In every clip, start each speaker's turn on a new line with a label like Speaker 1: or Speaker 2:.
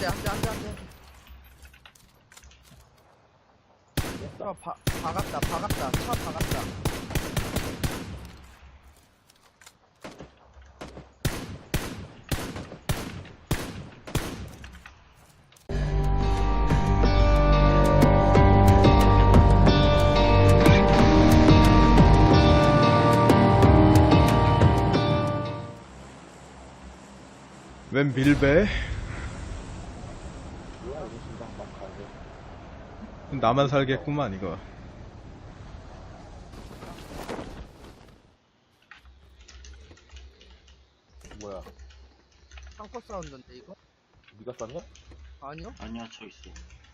Speaker 1: 안돼. 박았다. 차 박았다.
Speaker 2: 웬 밀배? 나만 살겠구만 이거.
Speaker 3: 뭐야?
Speaker 1: 창고 사운드인데 이거?
Speaker 3: 네가 쐈냐?
Speaker 1: 아니요?
Speaker 4: 아니야, 저 있어.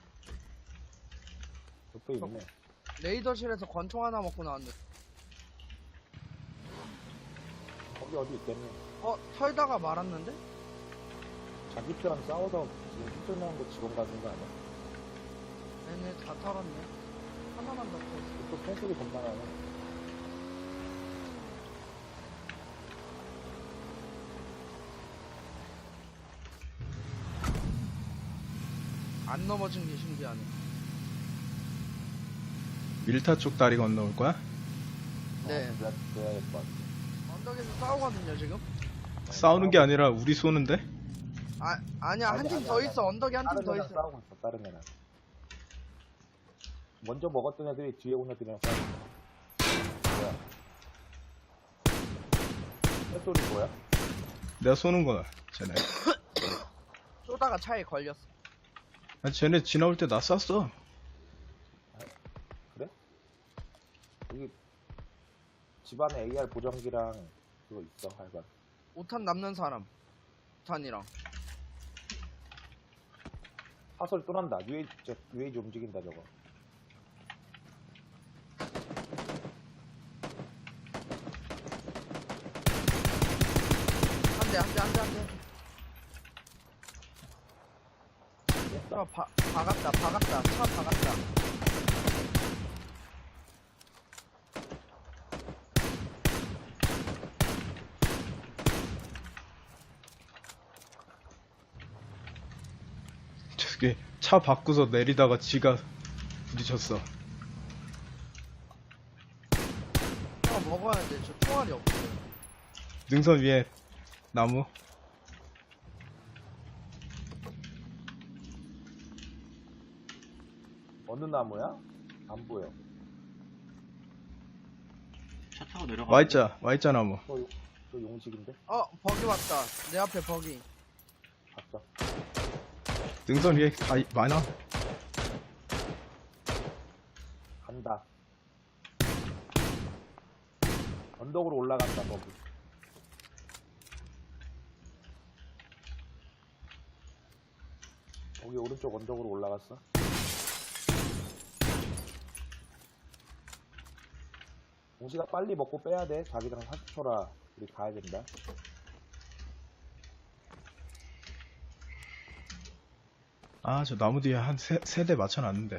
Speaker 3: 옆에 있네.
Speaker 1: 레이더실에서 권총 하나 먹고 나왔는데.
Speaker 3: 거기 어디 있겠네.
Speaker 1: 털다가 말았는데?
Speaker 3: 자기들랑 싸워서 지금 힘들어하는 거 직원 가진 거 아니야?
Speaker 1: 얘네 다 털었네. 하나만 더 털었어.
Speaker 3: 또 펜소리 겁나 나네.
Speaker 1: 안 넘어진 게 신기하네.
Speaker 2: 밀타 쪽 다리 건너올 거야?
Speaker 1: 네.
Speaker 3: 그래야 될 것 같아.
Speaker 1: 언덕에서 싸우거든요 지금?
Speaker 2: 싸우는 게 아니라 우리 쏘는데?
Speaker 1: 아니야 한 팀 더 있어. 언덕에 한 팀
Speaker 3: 다른
Speaker 1: 더
Speaker 3: 애랑
Speaker 1: 있어.
Speaker 3: 싸우고 있어, 다른 애랑. 먼저 먹었던 애들이 뒤에 온 애들이랑 싸우고 있어. 뭐야? 햇소리 뭐야?
Speaker 2: 내가 쏘는 거야 쟤네.
Speaker 1: 쏘다가 차에 걸렸어.
Speaker 2: 아, 쟤네 지나올 때 나 쐈어.
Speaker 3: 그래? 여기 집안에 AR 보정기랑 그거 있어, 할바.
Speaker 1: 5탄 남는 사람. 5탄이랑.
Speaker 3: 사설 또 난다. UAG 움직인다, 저거.
Speaker 1: 안돼. 박았다. 차 박았다.
Speaker 2: 저기 차 바꾸서 내리다가 지가 부딪혔어.
Speaker 1: 먹어야 돼. 저 총알이 없어요.
Speaker 2: 능선 위에 나무.
Speaker 3: 어느 나무야? 안 보여.
Speaker 4: 차 타고 내려가.
Speaker 2: Y자 나무.
Speaker 3: 저 용식인데?
Speaker 1: 버기 왔다. 내 앞에 버기.
Speaker 3: 봤어.
Speaker 2: 능선 위에 다 많아.
Speaker 3: 간다. 언덕으로 올라간다, 거기. 거기 오른쪽 언덕으로 올라갔어. 용식아 빨리 먹고 빼야 돼. 자기랑 40초라 우리 가야 된다.
Speaker 2: 아, 저 나무 뒤에 한 세 대 맞춰놨는데.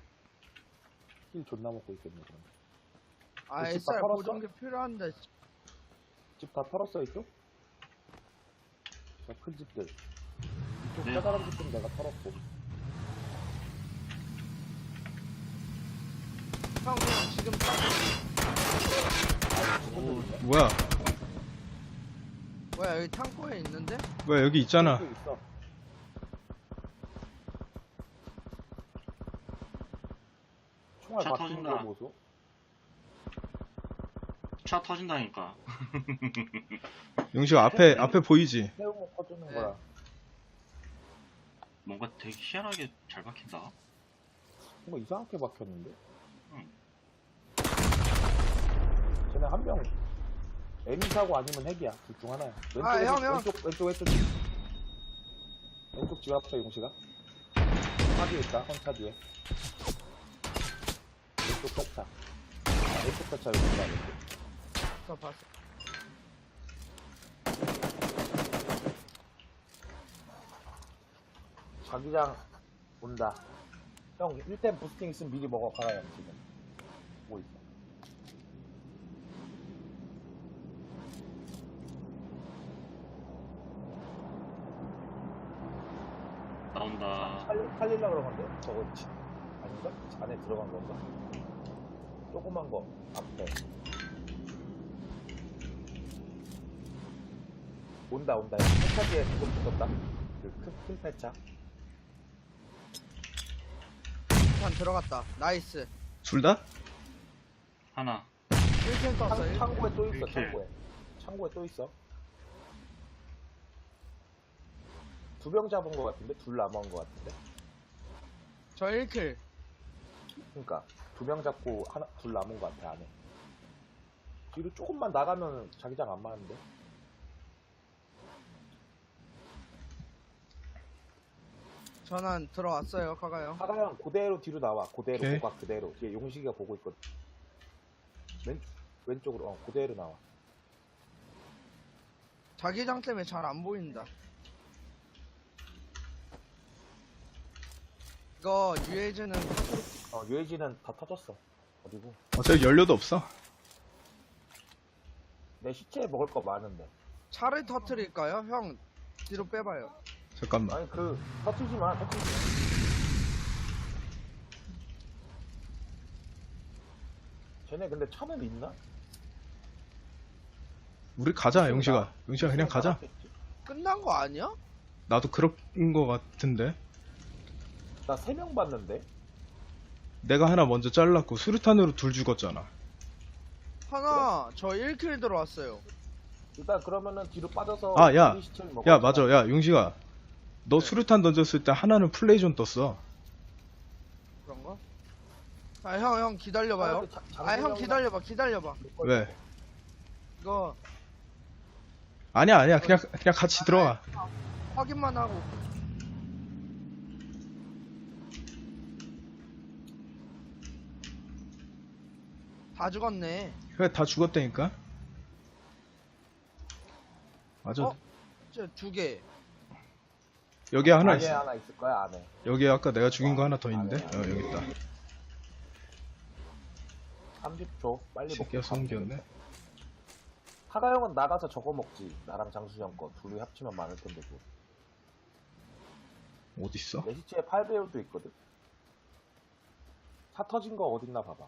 Speaker 3: 힐 존나 먹고 있겠네, 그럼. 집 다
Speaker 1: SR
Speaker 3: 털었어?
Speaker 1: 보정기 필요한데.
Speaker 3: 집 다 털었어, 이쪽? 저 큰 집들. 이쪽
Speaker 4: 네.
Speaker 3: 커다란 집들은 내가 털었고.
Speaker 1: 형 그냥 지금
Speaker 2: 뭐야?
Speaker 1: 뭐야 여기 창고에 있는데?
Speaker 2: 뭐야 여기 있잖아.
Speaker 3: 여기 있어. 총알
Speaker 4: 차
Speaker 3: 바뀌는 거
Speaker 4: 터진다.
Speaker 3: 보소.
Speaker 4: 차 터진다니까.
Speaker 2: 용식 앞에 보이지?
Speaker 3: 세우고 퍼주는
Speaker 1: 네.
Speaker 3: 거야.
Speaker 4: 뭔가 되게 희한하게 잘 박힌다.
Speaker 3: 뭔가 이상하게 박혔는데?
Speaker 4: 응.
Speaker 3: 쟤네 한 명 M사고 아니면 핵이야. 둘 중 하나야.
Speaker 1: 형.
Speaker 3: 왼쪽 집 앞에 용식아. 차 뒤에 있다. 헌차 뒤에. 왼쪽 차. 왼쪽 차 용식아. 왼쪽.
Speaker 1: 봤어.
Speaker 3: 자기장 온다. 형 1템 부스팅 있으면 미리 먹어. 가라요 지금. 뭐 있어.
Speaker 4: 나온다.
Speaker 3: 살리려고 그런 건데? 저거, 아닌가? 안에 들어간 건가? 조그만 거, 앞에. 온다. 폐차 뒤에 조금 붙었다. 큰 폐차.
Speaker 1: 한 들어갔다. 나이스.
Speaker 2: 둘 다?
Speaker 4: 하나.
Speaker 1: 1킬 떴어. 1킬.
Speaker 3: 창고에 또 있어,
Speaker 4: 이렇게.
Speaker 3: 창고에 또 있어. 두 병 잡은 거 같은데? 둘 남은 거 같은데?
Speaker 1: 저 1킬.
Speaker 3: 그니까, 두 명 잡고 둘 남은 거 같아, 안에. 뒤로 조금만 나가면 자기장 안 맞는데?
Speaker 1: 전환 들어왔어요. 가가요.
Speaker 3: 하가형 그대로 뒤로 나와. 그대로,
Speaker 2: 오케이.
Speaker 3: 고각 그대로. 뒤에 용식이가 보고 있거든. 왼쪽으로, 그대로 나와.
Speaker 1: 자기장 때문에 잘 안 보인다. 이거 UAG는
Speaker 3: UAG는 다 터졌어. 어디고?
Speaker 2: 어차피 연료도 없어.
Speaker 3: 내 시체에 먹을 거 많은데.
Speaker 1: 차를 터트릴까요? 형 뒤로 빼봐요.
Speaker 2: 잠깐만.
Speaker 3: 아니, 터트리지 마. 쟤네 근데 차는 있나?
Speaker 2: 우리 가자, 용식아. 용식아, 그냥 가자.
Speaker 3: 나갔겠지?
Speaker 1: 끝난 거 아니야?
Speaker 2: 나도 그런 거 같은데.
Speaker 3: 나 3명 봤는데?
Speaker 2: 내가 하나 먼저 잘랐고, 수류탄으로 둘 죽었잖아.
Speaker 1: 하나 저 1킬 들어왔어요.
Speaker 3: 일단 그러면은 뒤로 빠져서
Speaker 2: 아, 야.
Speaker 3: 우리 시체를 먹어.
Speaker 2: 야, 맞아. 야, 용식아. 너
Speaker 1: 네.
Speaker 2: 수류탄 던졌을 때 하나는 플레이존 떴어.
Speaker 1: 그런가? 아 형 기다려봐요. 아 형 기다려봐.
Speaker 2: 왜?
Speaker 1: 이거
Speaker 2: 아니야. 그냥 같이 들어와.
Speaker 1: 확인만 하고. 다 죽었네.
Speaker 2: 그래, 다 죽었다니까? 맞아.
Speaker 1: 어? 저 2개.
Speaker 2: 여기 하나
Speaker 3: 안에
Speaker 2: 있어.
Speaker 3: 하나 있을 거야, 안에.
Speaker 2: 여기 아까 내가 죽인 거 하나 더 있는데? 여기 있다.
Speaker 3: 30초. 빨리 먹고.
Speaker 2: 새끼야, 숨겼네.
Speaker 3: 하가 형은 나가서 저거 먹지. 나랑 장수 형 거. 둘이 합치면 많을 텐데, 뭐.
Speaker 2: 어딨어?
Speaker 3: 내 시체에 8배율도 있거든. 차 터진 거 어딨나 봐봐.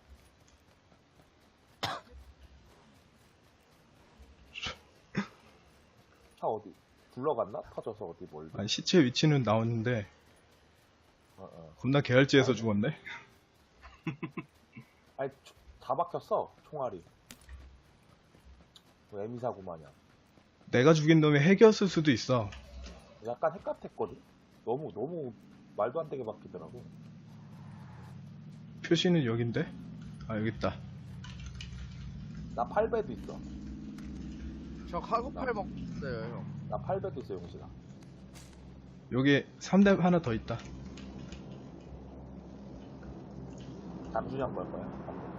Speaker 3: 차 어디? 굴러갔나? 터져서 어디 멀리?
Speaker 2: 아니, 시체 위치는 나왔는데,
Speaker 3: 어.
Speaker 2: 겁나 개활지에서 죽었네?
Speaker 3: 아니, 다 박혔어, 총알이. 뭐 에미사고 마냥.
Speaker 2: 내가 죽인 놈이 핵이었을 수도 있어.
Speaker 3: 약간 핵 같았거든? 너무 말도 안 되게 박히더라고.
Speaker 2: 표시는 여긴데? 아, 여기 있다.
Speaker 3: 나 8배도 있어.
Speaker 1: 저 카고팔 먹었어요 형.
Speaker 3: 나 8배도 있어, 용식아.
Speaker 2: 여기 3대 하나 더 있다.
Speaker 3: 장수형 걸 거야.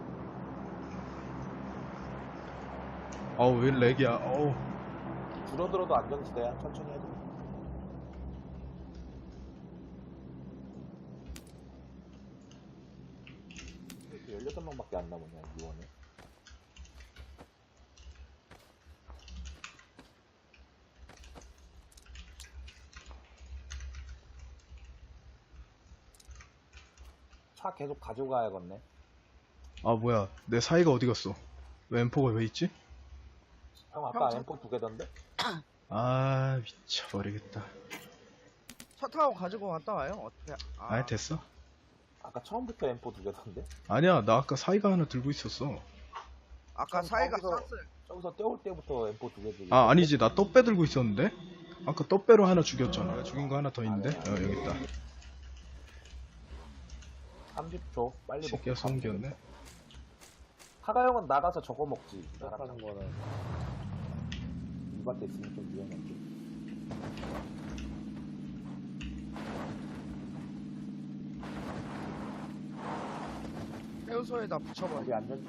Speaker 2: 어우, 왜 렉이야. 어우.
Speaker 3: 줄어들어도 안전지대야. 천천히 해도. 왜 이렇게 16명밖에 안 남았냐, 이원에. 차 계속 가져가야겠네.
Speaker 2: 아, 뭐야. 내 사이가 어디 갔어? 왜 M4가 왜 있지?
Speaker 3: 형 아까
Speaker 1: 형,
Speaker 3: M4 2개 던데?
Speaker 2: 아, 미쳐버리겠다.
Speaker 1: 차 타고 가지고 갔다 와요. 어떻게?
Speaker 2: 아니, 됐어.
Speaker 3: 아까 처음부터 M4 2개 던데?
Speaker 2: 아니야, 나 아까 사이가 하나 들고 있었어.
Speaker 1: 아까
Speaker 3: 형,
Speaker 1: 사이가
Speaker 3: 거기서-
Speaker 1: 쐈어요.
Speaker 3: 저기서 떼올 때부터 M4 2개 들고
Speaker 2: 아, 아니지. 나 떡배 들고 있었는데? 아까 떡배로 하나 죽였잖아. 내가 죽인 거 하나 더 있는데? 여기 있다.
Speaker 3: 30초 빨리 먹고
Speaker 2: 새끼야, 숨겼네.
Speaker 3: 하가 형은 나가서 저거 먹지. 나가는 거는 이 밭에 있으면 좀 위험한데.
Speaker 1: 해우소에다 붙여버려.
Speaker 3: 어디 안전.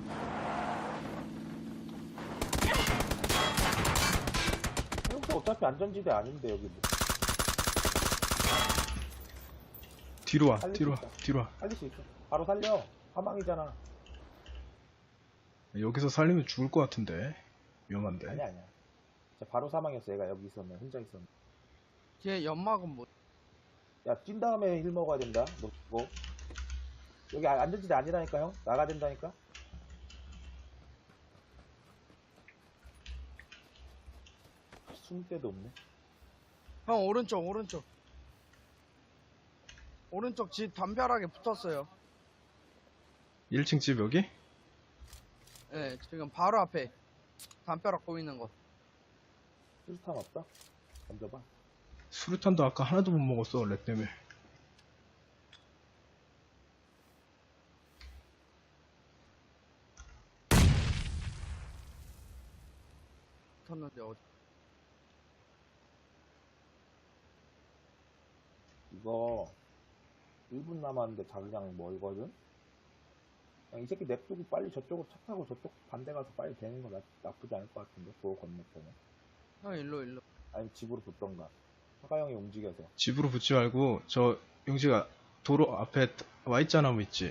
Speaker 3: 여기 어차피 안전지대 아닌데 여기 뭐.
Speaker 2: 뒤로 와,
Speaker 3: 살릴
Speaker 2: 뒤로 와,
Speaker 3: 수 있다.
Speaker 2: 뒤로 와.
Speaker 3: 살릴 수 있어. 바로 살려. 사망이잖아.
Speaker 2: 여기서 살리면 죽을 것 같은데. 위험한데.
Speaker 3: 아니야. 진짜 바로 사망했어. 얘가 여기 있었네. 혼자 있었네.
Speaker 1: 걔 연막은 뭐?
Speaker 3: 야, 찐 다음에 힐 먹어야 된다. 너 그거. 여기 안전지대 아니라니까, 형. 나가야 된다니까. 숨을 데도 없네.
Speaker 1: 형 오른쪽 오른쪽 집 담벼락에 붙었어요.
Speaker 2: 1층 집 여기?
Speaker 1: 네, 지금 바로 앞에 담벼락 보이는 거.
Speaker 3: 수류탄 없다? 던져봐.
Speaker 2: 수류탄도 아까 하나도 못 먹었어, 렉 때문에.
Speaker 1: 붙었는데 어디?
Speaker 3: 이거 1분 남았는데 자기장 멀거든? 그냥 이 새끼 냅두고 빨리 저쪽으로 차 타고 저쪽 반대 가서 빨리 되는 거 나쁘지 않을 것 같은데, 도로 건너편에.
Speaker 1: 형 일로.
Speaker 3: 아니면 집으로 붙던가. 화가 형이 움직여서.
Speaker 2: 집으로 붙지 말고, 저, 용지가 도로 앞에 Y자나무 있지?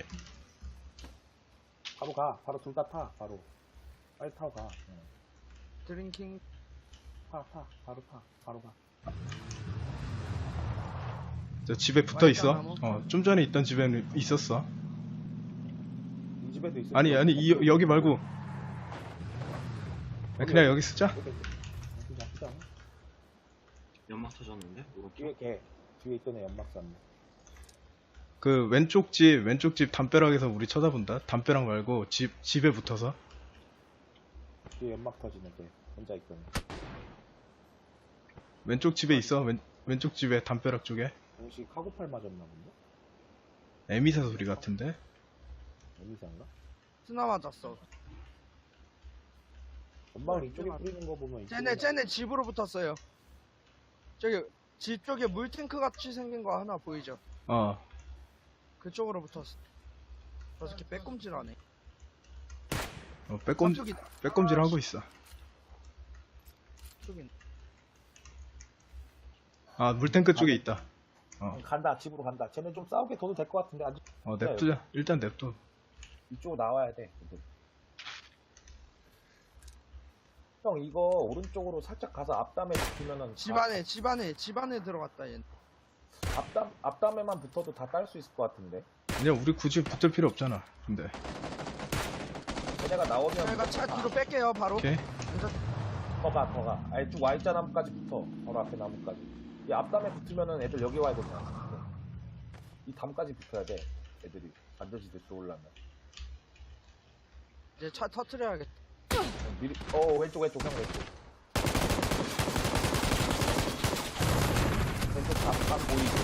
Speaker 3: 바로 가. 바로 둘 다 타. 바로. 빨리 타고 가. 응.
Speaker 1: 드링킹.
Speaker 3: 타. 바로 타. 바로 가.
Speaker 2: 저 집에 붙어 있어.
Speaker 1: Y자나무?
Speaker 2: 좀 전에 있던 집에는 있었어.
Speaker 3: 이 집에도 있어.
Speaker 2: 아니, 여기 말고. 그냥 여기 쓰자.
Speaker 3: 나쁘지 않아?
Speaker 4: 연막 터졌는데? 오른쪽?
Speaker 3: 뒤에 걔. 뒤에 있던 애 연막 쐈네.
Speaker 2: 그 왼쪽 집 담벼락에서 우리 쳐다본다. 담벼락 말고 집에 붙어서.
Speaker 3: 뒤에 연막 터지네, 걔. 혼자 있던 애.
Speaker 2: 왼쪽 집에 있어. 왼쪽 집에 담벼락 쪽에.
Speaker 3: 혹시 카고팔 맞았나 본데?
Speaker 2: 에미사 소리 같은데.
Speaker 3: 에미사인가?
Speaker 1: 스나 맞았어.
Speaker 3: 연막을 이쪽에 뿌리는 거 보면
Speaker 1: 쟤네 집으로 붙었어요. 저기 집 쪽에 물탱크 같이 생긴 거 하나 보이죠? 그쪽으로 붙었어. 저 새끼 빼꼼질하네.
Speaker 2: 빼꼼질 하고 있어.
Speaker 1: 저기
Speaker 2: 물탱크 쪽에 있다.
Speaker 3: 간다. 집으로 간다. 쟤네 좀 싸우게 둬도 될 것 같은데. 아직
Speaker 2: 냅두자. 일단 냅둬.
Speaker 3: 이쪽으로 나와야 돼. 형, 이거 오른쪽으로 살짝 가서 앞담에 붙으면은
Speaker 1: 집 안에 들어갔다 얘.
Speaker 3: 앞담에만 붙어도 다 딸 수 있을 것 같은데.
Speaker 2: 그냥 우리 굳이 붙을 필요 없잖아. 근데.
Speaker 3: 쟤네가 나오면
Speaker 1: 제가 차 뒤로 뺄게요 바로.
Speaker 2: 오케이.
Speaker 3: 더 가. 아니, 쭉 Y자 나무까지 붙어. 바로 앞에 나무까지. 이 앞담에 붙으면은 애들 여기 와야 된다. 이 담까지 붙어야 돼. 애들이 안전지대 들어오려면.
Speaker 1: 이제 차 터트려야겠다.
Speaker 3: 미리, 왼쪽, 형, 왼쪽. 왼쪽 담 보이지?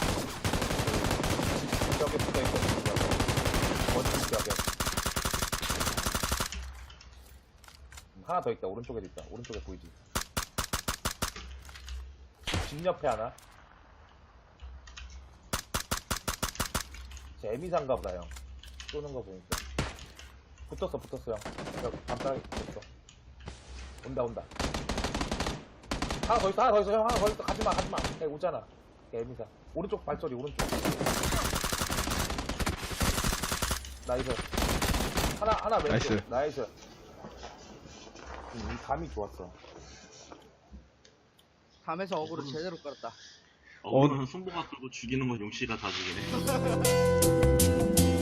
Speaker 3: 집 벽에 붙어 있거든. 원집 벽에. 하나 더 있다. 오른쪽에도 있다. 오른쪽에 보이지? 집 옆에 하나. 제 에미사인가 보다, 형. 쏘는 거 보니까. 붙었어, 형. 여기 담벼락에 붙었어. 온다. 하나 더 있어, 형. 하나 더 있어. 가지마. 걔 오잖아. 걔 에미사. 오른쪽 발소리, 오른쪽. 나이스. 하나 왼쪽. 나이스. 이 감이 좋았어.
Speaker 1: 담에서 어그로 제대로 끌었다.
Speaker 4: 어그로는 손보가 끌고 죽이는 건 용씨가 다 죽이네.